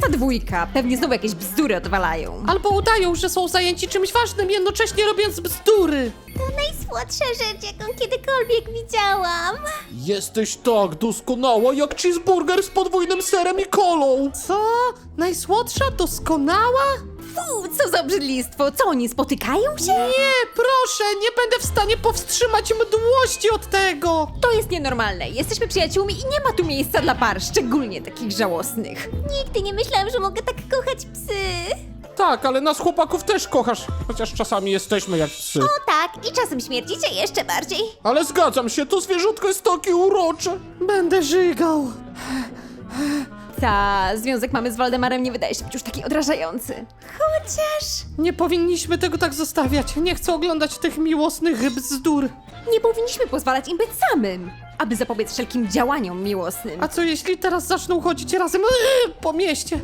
ta dwójka? Pewnie znowu jakieś bzdury odwalają. Albo udają, że są zajęci czymś ważnym, jednocześnie robiąc bzdury. To najsłodsza rzecz, jaką kiedykolwiek widziałam. Jesteś tak doskonała jak cheeseburger z podwójnym serem i kolą. Co? Najsłodsza? Doskonała? Fu, co za obrzydlistwo. Co, oni spotykają się? Nie, proszę, nie będę w stanie powstrzymać mdłości od tego. To jest nienormalne. Jesteśmy przyjaciółmi i nie ma tu miejsca dla par, szczególnie takich żałosnych. Nigdy nie myślałam, że mogę tak kochać psy. Tak, ale nas chłopaków też kochasz, chociaż czasami jesteśmy jak psy. O tak, i czasem śmierdzicie jeszcze bardziej. Ale zgadzam się, to zwierzątko jest takie urocze. Będę żygał. Ta, związek mamy z Waldemarem nie wydaje się być już taki odrażający. Chociaż... Nie powinniśmy tego tak zostawiać. Nie chcę oglądać tych miłosnych bzdur. Nie powinniśmy pozwalać im być samym, aby zapobiec wszelkim działaniom miłosnym. A co jeśli teraz zaczną chodzić razem po mieście?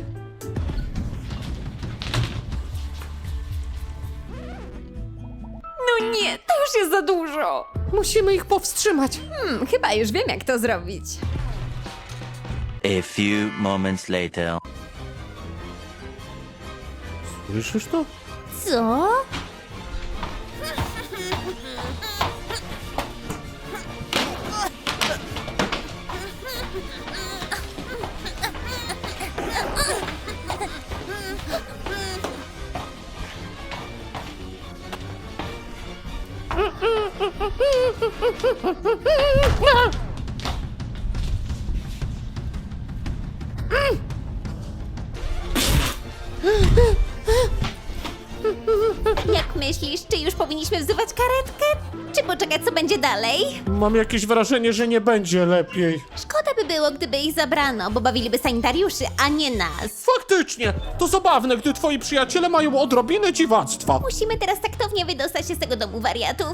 No nie, to już jest za dużo. Musimy ich powstrzymać. Chyba już wiem, jak to zrobić. A few moments later. Słyszysz to? Co? Jak myślisz, czy już powinniśmy wzywać karetkę? Czy poczekać, co będzie dalej? Mam jakieś wrażenie, że nie będzie lepiej. Szkoda by było, gdyby ich zabrano, bo bawiliby sanitariuszy, a nie nas. Faktycznie, to zabawne, gdy twoi przyjaciele mają odrobinę dziwactwa. Musimy teraz taktownie wydostać się z tego domu wariatów.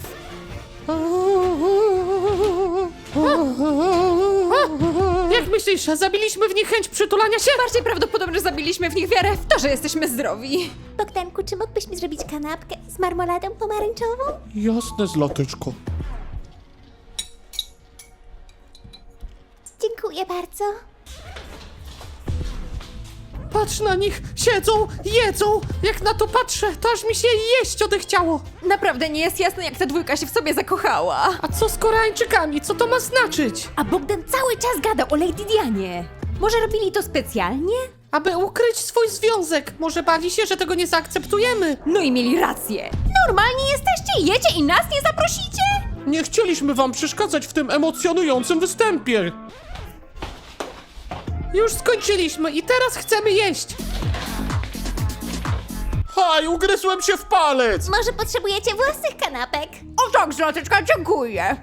Jak myślisz, zabiliśmy w nich chęć przytulania się? Bardziej prawdopodobne, że zabiliśmy w nich wiarę w to, że jesteśmy zdrowi. Bogdanku, czy mógłbyś mi zrobić kanapkę z marmoladą pomarańczową? Jasne, zlateczko. Dziękuję bardzo. Patrz na nich, siedzą, jedzą. Jak na to patrzę, to aż mi się jeść odechciało. Naprawdę nie jest jasne, jak ta dwójka się w sobie zakochała. A co z Koreańczykami? Co to ma znaczyć? A Bogdan cały czas gada o Lady Dianie. Może robili to specjalnie? Aby ukryć swój związek. Może bali się, że tego nie zaakceptujemy. No i mieli rację. Normalni jesteście? Jecie i nas nie zaprosicie? Nie chcieliśmy wam przeszkadzać w tym emocjonującym występie. Już skończyliśmy i teraz chcemy jeść. Haj, ugryzłem się w palec! Może potrzebujecie własnych kanapek? O tak, zlateczka, dziękuję.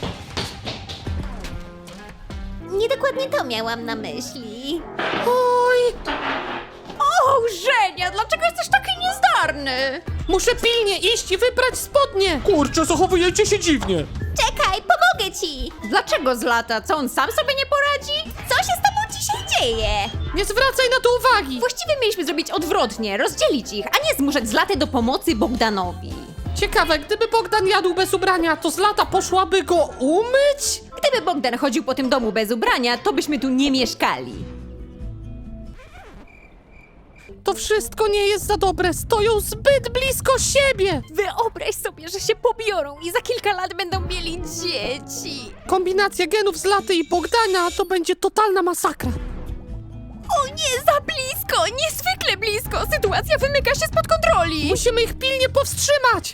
Niedokładnie to miałam na myśli. Oj, O, Żenia, dlaczego jesteś taki niezdarny? muszę pilnie iść i wybrać spodnie. Kurczę, zachowujecie się dziwnie. Czekaj, pomogę ci! Dlaczego Zlata? Co, on sam sobie nie poradzi? Co się z tobą dzisiaj dzieje? Nie zwracaj na to uwagi. Właściwie mieliśmy zrobić odwrotnie, rozdzielić ich, a nie zmuszać Zlaty do pomocy Bogdanowi. Ciekawe, gdyby Bogdan jadł bez ubrania, to Zlata poszłaby go umyć? Gdyby Bogdan chodził po tym domu bez ubrania, to byśmy tu nie mieszkali. To wszystko nie jest za dobre. Stoją zbyt blisko siebie. Wyobraź sobie, że się pobiorą i za kilka lat będą mieli dzieci. Kombinacja genów Zlaty i Bogdana to będzie totalna masakra. O nie, za blisko, niezwykle blisko. Sytuacja wymyka się spod kontroli. Musimy ich pilnie powstrzymać.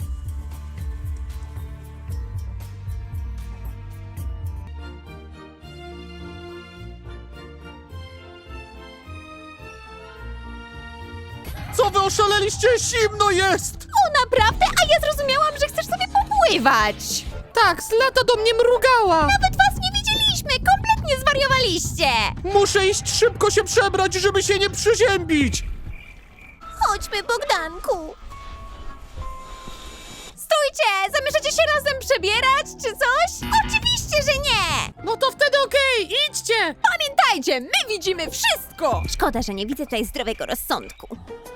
Co wy oszaleliście? Zimno jest! O, naprawdę? A ja zrozumiałam, że chcesz sobie popływać. Tak, Zlata do mnie mrugała. Nawet was nie widzieliśmy! Kompletnie zwariowaliście! Muszę iść szybko się przebrać, żeby się nie przeziębić! Chodźmy, Bogdanku! Stójcie! Zamierzacie się razem przebierać, czy coś? Oczywiście, że nie! No to wtedy okej, idźcie. Pamiętajcie, my widzimy wszystko! Szkoda, że nie widzę tutaj zdrowego rozsądku.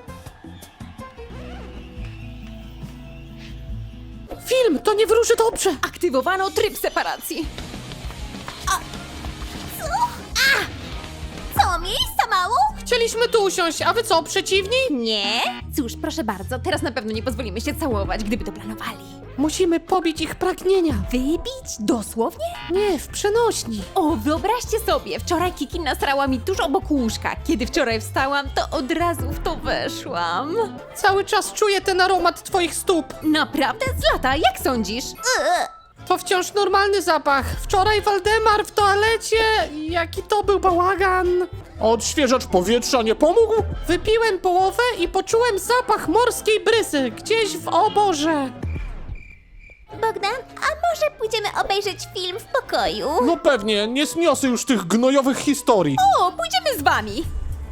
Film, to nie wróży dobrze. Aktywowano tryb separacji. Co? Miejsca mało? Chcieliśmy tu usiąść, a wy co, przeciwni? Nie? Cóż, proszę bardzo, teraz na pewno nie pozwolimy się całować, gdyby to planowali. Musimy pobić ich pragnienia. Wybić? Dosłownie? Nie, w przenośni. O, wyobraźcie sobie, wczoraj Kiki nasrała mi tuż obok łóżka. Kiedy wczoraj wstałam, to od razu w to weszłam. Cały czas czuję ten aromat twoich stóp. Naprawdę? Z lata, jak sądzisz? To wciąż normalny zapach. Wczoraj Waldemar w toalecie. Jaki to był bałagan. A odświeżacz powietrza nie pomógł? Wypiłem połowę i poczułem zapach morskiej brysy gdzieś w oborze. Bogdan, a może pójdziemy obejrzeć film w pokoju? No pewnie, nie zniosę już tych gnojowych historii. O, pójdziemy z wami.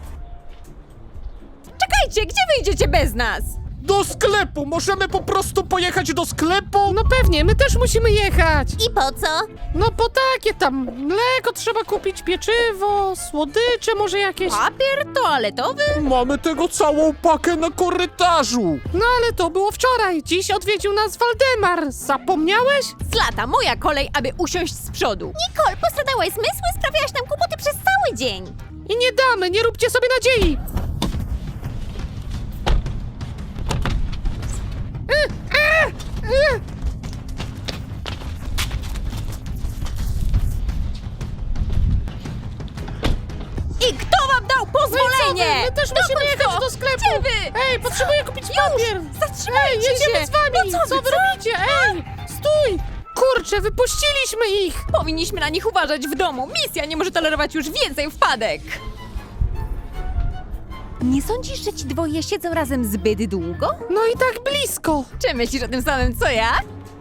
Czekajcie, gdzie wyjdziecie bez nas? Do sklepu! Możemy po prostu pojechać do sklepu? No pewnie, my też musimy jechać. I po co? No po takie tam. Mleko trzeba kupić, pieczywo, słodycze może jakieś. Papier toaletowy? Mamy tego całą pakę na korytarzu. No ale to było wczoraj. Dziś odwiedził nas Waldemar. Zapomniałeś? Z lata, moja kolej, aby usiąść z przodu. Nicole, postradałaś zmysły, sprawiałaś nam kłopoty przez cały dzień. I nie damy, nie róbcie sobie nadziei. I kto wam dał pozwolenie? My też Dokąd musimy jechać to? do sklepu. Gdzie wy? Ej, potrzebuję kupić papier. Zatrzymajcie Ej, jedziemy się. z wami. No co wy, wy robicie? Ej, stój. Kurczę, wypuściliśmy ich. Powinniśmy na nich uważać w domu. Misja nie może tolerować już więcej wpadek. Nie sądzisz, że ci dwoje siedzą razem zbyt długo? No i tak blisko. Czy myślisz o tym samym, co ja?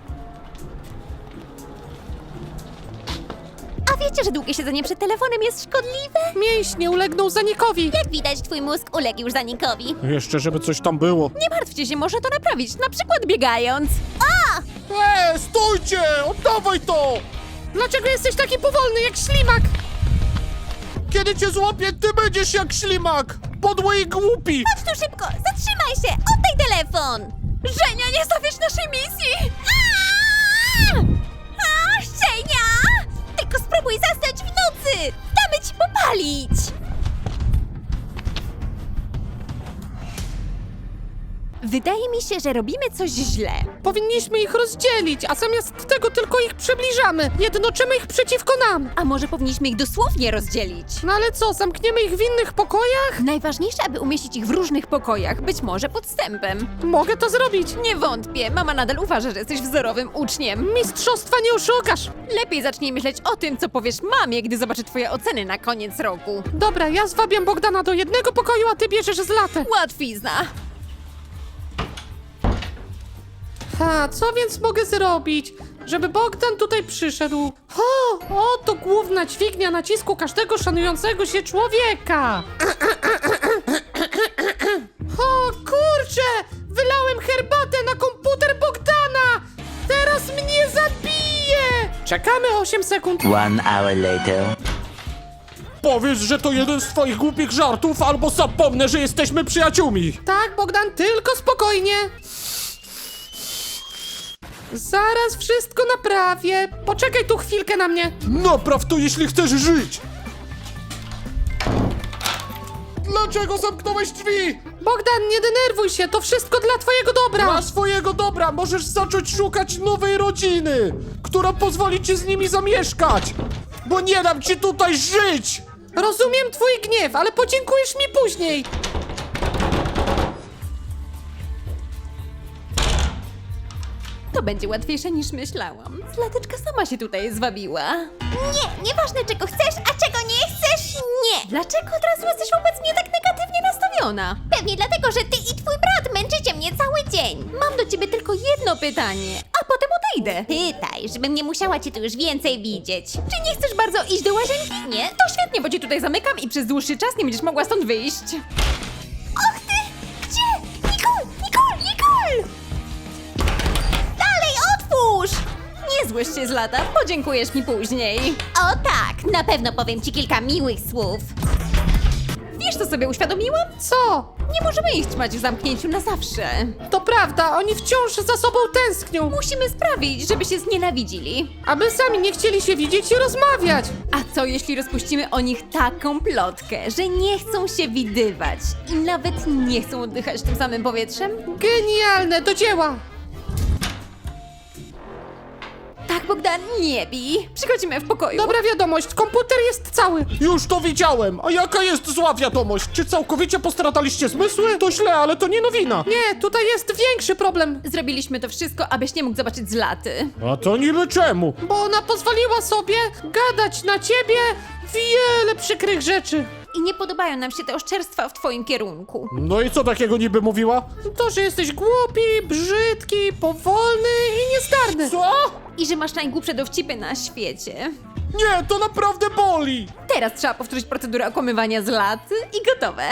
A wiecie, że długie siedzenie przed telefonem jest szkodliwe? Mięśnie ulegną zanikowi. Jak widać, twój mózg uległ już zanikowi. Jeszcze, żeby coś tam było. Nie martwcie się, można to naprawić, na przykład biegając. Stójcie! Oddawaj to! Dlaczego jesteś taki powolny jak ślimak? Kiedy cię złapię, ty będziesz jak ślimak! Podły i głupi! Chodź tu szybko, zatrzymaj się, oddaj telefon! Żenia, nie stawiasz naszej misji! A, Szczenia! Tylko spróbuj zasnąć w nocy! Damy ci popalić! Wydaje mi się, że robimy coś źle. Powinniśmy ich rozdzielić, a zamiast tego tylko ich przybliżamy. Jednoczymy ich przeciwko nam. A może powinniśmy ich dosłownie rozdzielić? No ale co, zamkniemy ich w innych pokojach? Najważniejsze, aby umieścić ich w różnych pokojach, być może podstępem. Mogę to zrobić. Nie wątpię, mama nadal uważa, że jesteś wzorowym uczniem. Mistrzostwa nie oszukasz. Lepiej zacznij myśleć o tym, co powiesz mamie, gdy zobaczy twoje oceny na koniec roku. Dobra, ja zwabiam Bogdana do jednego pokoju, a ty bierzesz z latę. Łatwizna. Ha, co więc mogę zrobić, żeby Bogdan tutaj przyszedł? To główna dźwignia nacisku każdego szanującego się człowieka. O kurczę, wylałem herbatę na komputer Bogdana. Teraz mnie zabije. Czekamy 8 sekund. 1 hour later. Powiedz, że to jeden z twoich głupich żartów, albo zapomnę, że jesteśmy przyjaciółmi! Tak, Bogdan, tylko spokojnie. Zaraz wszystko naprawię. Poczekaj tu chwilkę na mnie. Napraw to, jeśli chcesz żyć! Dlaczego zamknąłeś drzwi? Bogdan, nie denerwuj się, to wszystko dla twojego dobra. Dla swojego dobra możesz zacząć szukać nowej rodziny, która pozwoli ci z nimi zamieszkać! Bo nie dam ci tutaj żyć! Rozumiem twój gniew, ale podziękujesz mi później. To będzie łatwiejsze niż myślałam. Zlateczka sama się tutaj zwabiła. Nie, nieważne czego chcesz, a czego nie chcesz, nie! Dlaczego od razu jesteś wobec mnie tak negatywnie nastawiona? Pewnie dlatego, że ty i twój brat męczycie mnie cały dzień. Mam do ciebie tylko jedno pytanie, a potem odejdę. Pytaj, żebym nie musiała cię tu już więcej widzieć. Czy nie chcesz bardzo iść do łazienki? Nie? To świetnie, bo cię tutaj zamykam i przez dłuższy czas nie będziesz mogła stąd wyjść. Och ty! Gdzie? Nicole! Nicole! Nicole! Dalej, otwórz! Nie złość się z lata, podziękujesz mi później. O tak, na pewno powiem ci kilka miłych słów. Wiesz, co sobie uświadomiłam? Co? Nie możemy ich trzymać w zamknięciu na zawsze. To prawda, oni wciąż za sobą tęsknią. Musimy sprawić, żeby się znienawidzili. Aby sami nie chcieli się widzieć i rozmawiać. A co jeśli rozpuścimy o nich taką plotkę, że nie chcą się widywać i nawet nie chcą oddychać tym samym powietrzem? Genialne, do dzieła. Tak, Bogdan, nie bij. Przychodzimy w pokoju. Dobra wiadomość, komputer jest cały. Już to widziałem. A jaka jest zła wiadomość? Czy całkowicie postrataliście zmysły? To źle, ale to nie nowina. Nie, tutaj jest większy problem. Zrobiliśmy to wszystko, abyś nie mógł zobaczyć Zlaty. A to niby czemu? Bo ona pozwoliła sobie gadać na ciebie wiele przykrych rzeczy. I nie podobają nam się te oszczerstwa w twoim kierunku. No i co takiego niby mówiła? To, że jesteś głupi, brzydki, powolny i niezdarny. Co? I że masz najgłupsze dowcipy na świecie. Nie, to naprawdę boli. Teraz trzeba powtórzyć procedurę okłamywania Zlaty i gotowe.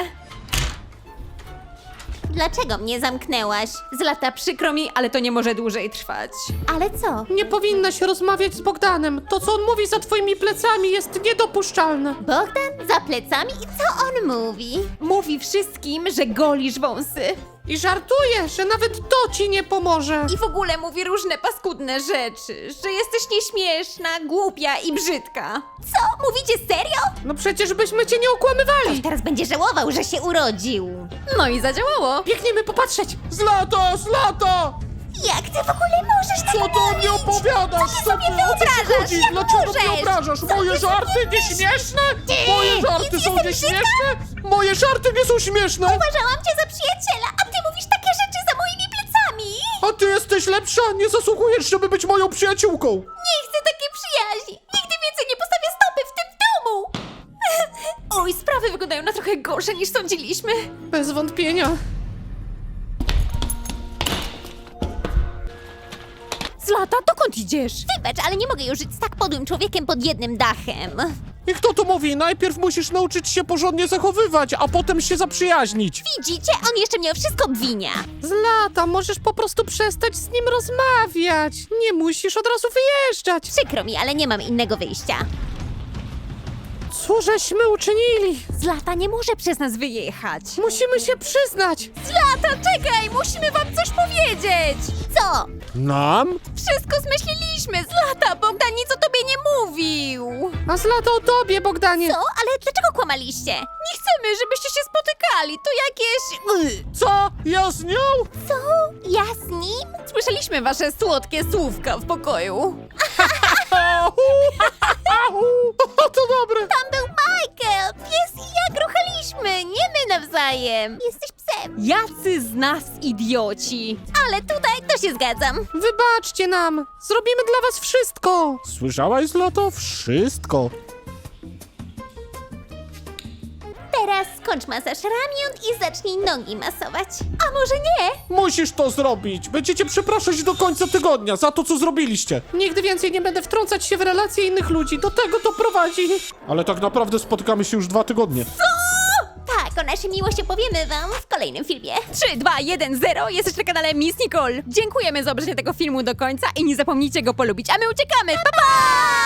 Dlaczego mnie zamknęłaś? Zlata, przykro mi, ale to nie może dłużej trwać. Ale co? Nie powinnaś rozmawiać z Bogdanem. To, co on mówi za twoimi plecami, jest niedopuszczalne. Bogdan za plecami i co on mówi? Mówi wszystkim, że golisz wąsy. I żartuje, że nawet to ci nie pomoże. I w ogóle mówi różne paskudne rzeczy, że jesteś nieśmieszna, głupia i brzydka. Co? Mówicie serio? No przecież byśmy cię nie okłamywali. Teraz będzie żałował, że się urodził. No i zadziałało. Biegniemy popatrzeć. Zlata, Zlata! Jak ty w ogóle możesz Co tak ty o mnie opowiadasz? Co ty Co sobie ty, o co ci wyobrażasz? chodzi? Jak Dlaczego możesz? mnie obrażasz? Co Moje ty żarty sobie nieśmieszne? Ty, Moje żarty nic są jestem nieśmieszne? Moje żarty nie są śmieszne? Uważałam cię za przyjaciela, a ty mówisz takie rzeczy za moimi plecami. A ty jesteś lepsza? Nie zasługujesz, żeby być moją przyjaciółką. Nie chcę takiej przyjaźni. Nigdy więcej nie postawię stopy w tym domu. Oj, sprawy wyglądają na trochę gorsze niż sądziliśmy. Bez wątpienia. Zlata, dokąd idziesz? Wybacz, ale nie mogę już żyć z tak podłym człowiekiem pod jednym dachem. I kto to mówi? Najpierw musisz nauczyć się porządnie zachowywać, a potem się zaprzyjaźnić. Widzicie? On jeszcze mnie o wszystko obwinia. Zlata, możesz po prostu przestać z nim rozmawiać. Nie musisz od razu wyjeżdżać. Przykro mi, ale nie mam innego wyjścia. Co żeśmy uczynili? Zlata nie może przez nas wyjechać. Musimy się przyznać. Zlata, czekaj, musimy wam coś powiedzieć. Co? Nam? Wszystko zmyśliliśmy. Zlata, Bogdan nic o tobie nie mówił. A Zlata o tobie, Bogdanie. Co? Ale dlaczego kłamaliście? Nie chcemy, żebyście się spotykali. To jakieś... Co? Ja z nią? Co? Ja z nim? Słyszeliśmy wasze słodkie słówka w pokoju. To dobre. Tam był Michael! Pies i ja gruchaliśmy, nie my nawzajem. Jesteś psem. Jacy z nas idioci. Ale tutaj to się zgadzam. Wybaczcie nam. Zrobimy dla was wszystko. Słyszałaś, Zlato? Wszystko. Teraz skończ masaż ramion i zacznij nogi masować. A może nie? Musisz to zrobić. Będziecie przepraszać do końca tygodnia za to, co zrobiliście. Nigdy więcej nie będę wtrącać się w relacje innych ludzi. Do tego to prowadzi. Ale tak naprawdę spotykamy się już 2 tygodnie. Tak, o naszej miłości opowiemy wam w kolejnym filmie. 3, 2, 1, 0. Jesteś na kanale Miss Nicole. Dziękujemy za obejrzenie tego filmu do końca i nie zapomnijcie go polubić, a my uciekamy. Pa, pa!